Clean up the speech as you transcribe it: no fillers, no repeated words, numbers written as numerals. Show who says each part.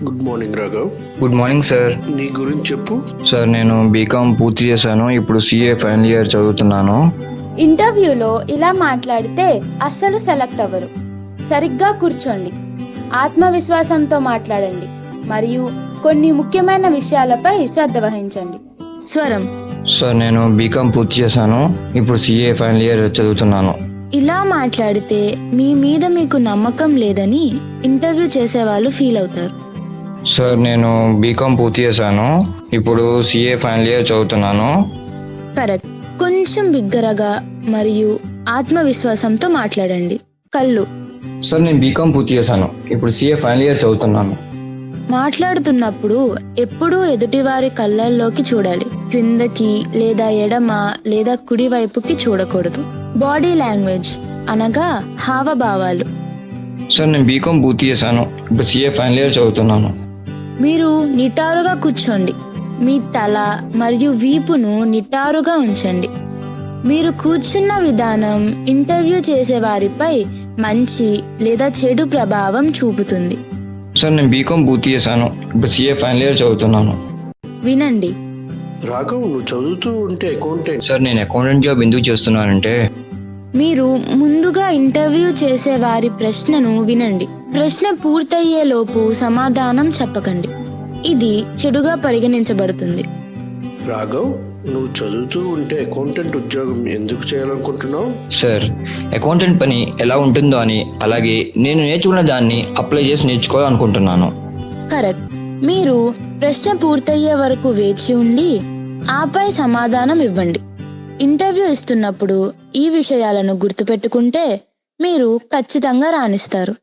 Speaker 1: Good morning Raghav.
Speaker 2: Good morning sir.
Speaker 1: నీ గురించి చెప్పు.
Speaker 2: సార్ నేను బీకామ్ పూర్తి చేశాను. ఇప్పుడు సిఏ ఫైనల్ ఇయర్ చదువుతున్నాను.
Speaker 3: ఇంటర్వ్యూలో ఇలా మాట్లాడితే అస్సలు సెలెక్ట్ అవ్వరు. సరిగ్గా కూర్చోండి, ఆత్మవిశ్వాసంతో మాట్లాడండి మరియు కొన్ని ముఖ్యమైన విషయాలపై శ్రద్ధ వహించండి. స్వరం.
Speaker 2: సార్ నేను బీకామ్ పూర్తి చేశాను. ఇప్పుడు సిఏ ఫైనల్ ఇయర్ చదువుతున్నాను.
Speaker 3: ఇలా మాట్లాడితే మీ మీద మీకు నమ్మకం లేదని ఇంటర్వ్యూ చేసేవాళ్ళు ఫీల్ అవుతారు.
Speaker 2: సార్ నేను బీకామ్ పూర్తి చేశాను. ఇప్పుడు సిఏ ఫైనల్ ఇయర్ చదువుతున్నాను.
Speaker 3: కరెక్ట్. కొంచెం బిగ్గరగా మరియు ఆత్మవిశ్వాసంతో మాట్లాడండి. కళ్ళు.
Speaker 2: సార్ నేను బీకామ్ పూర్తి చేశాను. ఇప్పుడు సిఏ ఫైనల్ ఇయర్ చదువుతున్నాను.
Speaker 3: మాట్లాడుతున్నప్పుడు ఎప్పుడూ ఎదుటివారి కళ్ళల్లోకి చూడాలి. క్రిందకి లేదా ఎడమ లేదా కుడి వైపుకి చూడకూడదు. బాడీ లాంగ్వేజ్ అనగా హావభావాలు.
Speaker 2: సార్ నేను బీకామ్ పూర్తి చేశాను. ఇప్పుడు సిఏ ఫైనల్ ఇయర్ చదువుతున్నాను.
Speaker 3: మీరు నిటారుగా కూర్చోండి. మీ తల మరియు వీపును నిటారుగా ఉంచండి. మీరు కూర్చున్న విధానం ఇంటర్వ్యూ చేసే వారిపై మంచి లేదా చెడు ప్రభావం చూపుతుంది.
Speaker 2: సార్ నేను బీకామ్ పూర్తి చేశాను. ఇప్పుడు సిఏ ఫైనల్ ఇయర్ చదువుతున్నాను.
Speaker 3: వినండి.
Speaker 1: రాఘవ్, నువ్వు చదువుతూ ఉంటే అకౌంటెంట్.
Speaker 2: సార్ నేను అకౌంటెంట్ జాబ్ ఎందుకు చేస్తున్నానంటే
Speaker 3: మీరు ముందుగా ఇంటర్వ్యూ చేసే వారి ప్రశ్నను వినండి. ప్రశ్న పూర్తయ్యేలోపు సమాధానం చెప్పకండి. ఇది చెడుగా పరిగణించబడుతుంది.
Speaker 1: రాఘవ్, నువ్వు చదువుతూ ఉంటే అకౌంటెంట్ ఉద్యోగం ఎందుకు చేయాలనుకుంటున్నావు?
Speaker 2: సార్ అకౌంటెంట్ పని ఎలా ఉంటుందో అని, అలాగే నేను నేర్చుకున్న దాన్ని అప్లై చేసి నేర్చుకోవాలనుకుంటున్నాను.
Speaker 3: కరెక్ట్. మీరు ప్రశ్న పూర్తయ్యే వరకు వేచి ఉండి ఆపై సమాధానం ఇవ్వండి. ఇంటర్వ్యూ ఇస్తున్నప్పుడు ఈ విషయాలను గుర్తుపెట్టుకుంటే మీరు ఖచ్చితంగా రాణిస్తారు.